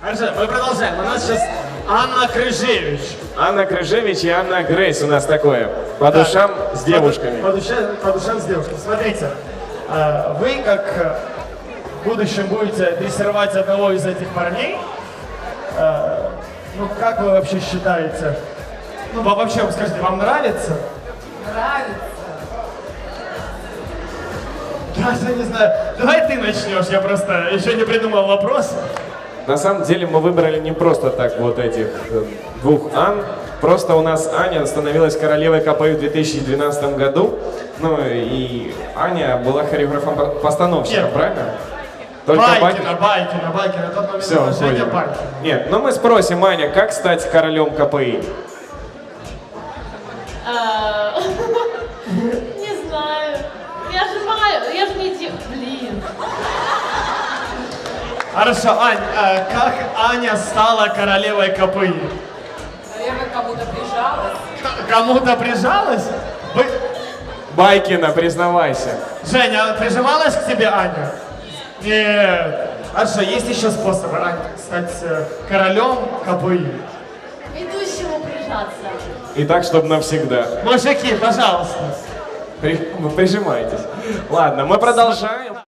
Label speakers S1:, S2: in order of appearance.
S1: Хорошо, мы продолжаем. У нас сейчас Анна Крыжевич.
S2: Анна Крыжевич и Анна Грейс у нас такое. По душам с девушками.
S1: По душам с девушками. Смотрите, вы как в будущем будете дрессировать одного из этих парней. Ну, как вы вообще считаете? Ну, вообще, скажите, вам нравится?
S3: Нравится.
S1: Даже не знаю. Давай ты начнешь, я просто еще не придумал вопрос.
S2: На самом деле мы выбрали не просто так вот этих двух Ан. Просто у нас Аня становилась королевой КПИ в 2012 году. Ну и Аня была хореографом-постановщиком, правильно?
S1: Только Байкина. Тот момент
S2: все,
S1: Женя Байкина.
S2: Нет, но мы спросим, Аня, как стать королем КПИ?
S3: Не знаю. Я же не девушка. Блин.
S1: Хорошо, Ань, как Аня стала королевой КПИ?
S3: Наверное, кому-то прижалась.
S1: Кому-то прижалась?
S2: Байкина, признавайся.
S1: Женя, прижималась к тебе Аня? Нет. Хорошо, есть еще способы, Ань, стать королем КПИ.
S3: Ведущему прижаться.
S2: И так, чтобы навсегда.
S1: Мужики, пожалуйста.
S2: Прижимайтесь. Ладно, мы продолжаем.